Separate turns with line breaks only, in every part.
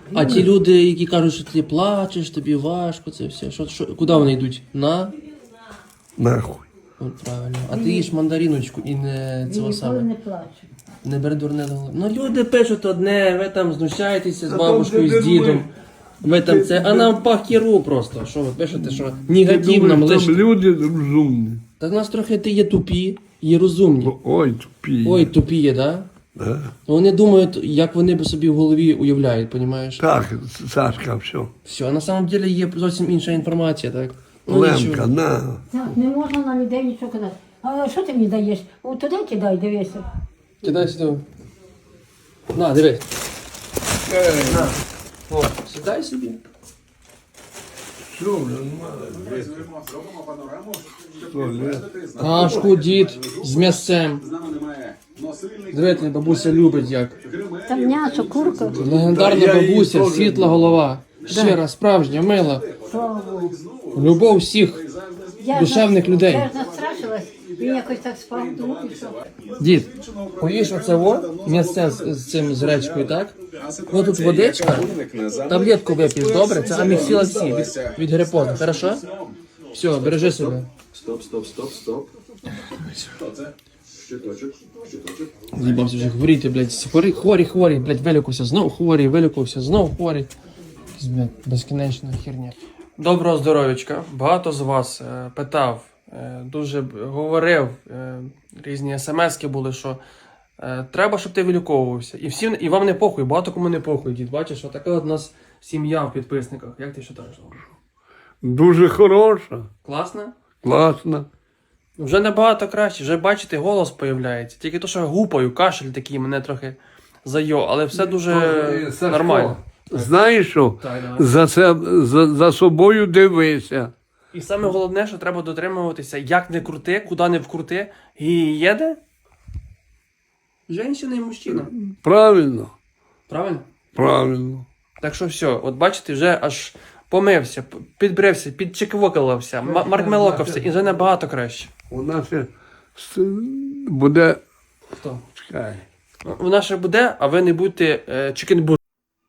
А ті люди, які кажуть, що ти плачеш, тобі важко, це все. Куди вони йдуть?
Нахуй.
От правильно. А ти їш мандаріночку і не цього саме.
Не плачу.
Не бери дурне до голови. Ну люди пишуть одне, ви там знущаєтеся з бабушкою, з дідом. Ви там це, а нам пахіру просто. Що ви пишете, що негатив нам
Там
лише.
люди розумні.
Так нас трохи ти є тупі, є розумні.
Ой, тупі.
Ой, тупі є, да?
Да.
Вони думають, як вони б собі в голові уявляють, понімаєш?
Так, Сашка, все.
Все, а на самом деле є зовсім інша інформація, так?
Лемка,
нічого.
на.
Так, не можна на людей нічого казати. А що ти мені даєш? О, туди кидай, дивися.
Кидай сюди. На, дивись. На. О, сідай собі.
Все, нормально.
Кашку, дід, з м'ясцем. Дивіться, бабуся любить як.
Там м'ясо, курка.
Легендарна бабуся, світла голова. Щира, справжня, мила.
Слава Богу.
Любов всіх душевних людей.
Я ж настрашилась, він якось так спав, ну і що?
Дід, поїж оце во, м'ясце з цим з речкою, так? Ось тут водичка, таблетку вип'єш, добре? Це аміксілаксі від грипозу, хорошо? Все, бережи себе.
Стоп. Щиточок.
З'їбався вже хворіти, блядь, хворі, блядь, вилікувався, знов хворий, вилікувався, знов хворий. Якась, блядь, безкінечна херня. Доброго здоров'ячка. Багато з вас питав, дуже говорив, різні смски були, що треба, щоб ти виліковувався. І вам не похуй, багато кому не похуй, дід. Бачиш, отака от у нас сім'я в підписниках. Як ти вважаєш?
Дуже хороша.
Класно?
Класно.
Вже набагато краще, вже бачите, голос появляється. Тільки то, що я гупаю, кашель такий мене трохи зайо, але все дуже нормально.
Знаєш що?
Так, давай.
За собою дивися.
І саме головне, що треба дотримуватися, як не крути, куди не вкрути, і їде жінка і мужчина.
Правильно?
Правильно?
Правильно.
Так що все, от бачите, вже аж помився, підбрився, підчеквокалився, маркмелокався, і вже набагато краще.
У нас буде.
Хто?
Чекай.
Вона ще буде, а ви не будьте чикенбургером.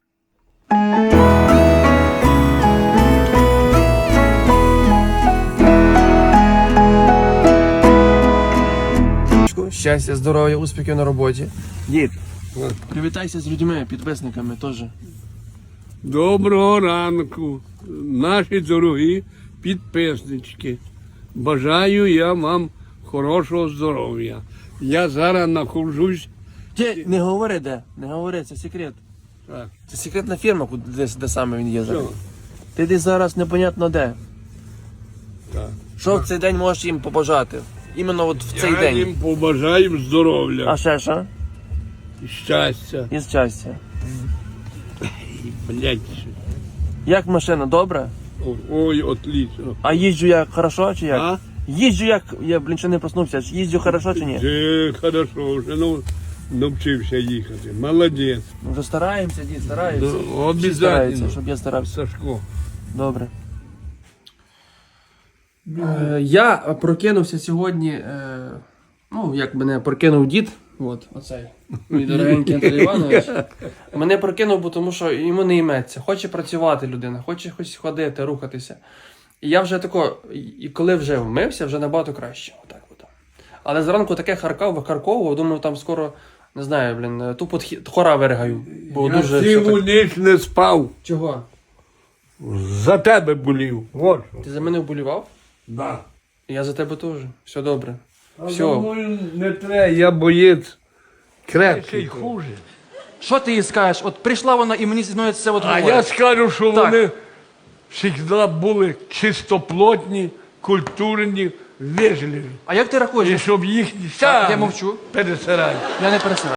Щастя, здоров'я, успіхів на роботі. Дід, привітайся з людьми, підписниками теж.
Доброго ранку, наші дорогі підписнички. Бажаю я вам хорошого здоров'я. Я зараз знаходжусь.
Ти не говори де, не говори, це секрет.
Так.
Це секретна фірма, де саме він є зараз.
Що?
Ти десь зараз непонятно де.
Так.
Що в цей день можеш їм побажати? Іменно от в цей
Я
день.
їм побажаю здоров'я
А ще що?
і щастя.
І щастя.
Блять.
Як машина, добре?
Ой, отлично.
А їжджу як хорошо чи як?
А?
Їжджу як, я, блін, ще не проснувся, їжджу хорошо чи ні?
Хорошо, вже навчився їхати. Молодець.
Ми вже стараємося, дід, стараємося.
Ну,
Всі
обов'язково.
стараються, щоб я старався.
Сашко.
Добре. Я прокинувся сьогодні, ну, як мене прокинув дід, от, оцей, мій дорогенький Анатолій Іванович. Мене прокинув, бо тому що йому не йметься. Хоче працювати людина, хоче хоч ходити, рухатися. І я вже тако, і коли вже вмився, вже набагато краще. Отак от. Але зранку таке викарковував, думаю, там скоро, не знаю, блін, тупо хора виригаю. Бо
Я
дуже
цілу
все так...
ніч не спав.
Чого?
За тебе болів. Вот що.
Ти за мене вболівав?
Да.
Я за тебе теж. Все добре.
А
Все.
за мною не треба, я боєць крепкий.
хуже.
Що ти їй скажеш? От прийшла вона і мені зі мною це от
А
говорить.
я скажу, що
Так.
вони завжди були чистоплотні, культурні, вежливі.
А як ти рахуєш?
І щоб їх
Так, я мовчу.
пересирати.
Я не пересираю.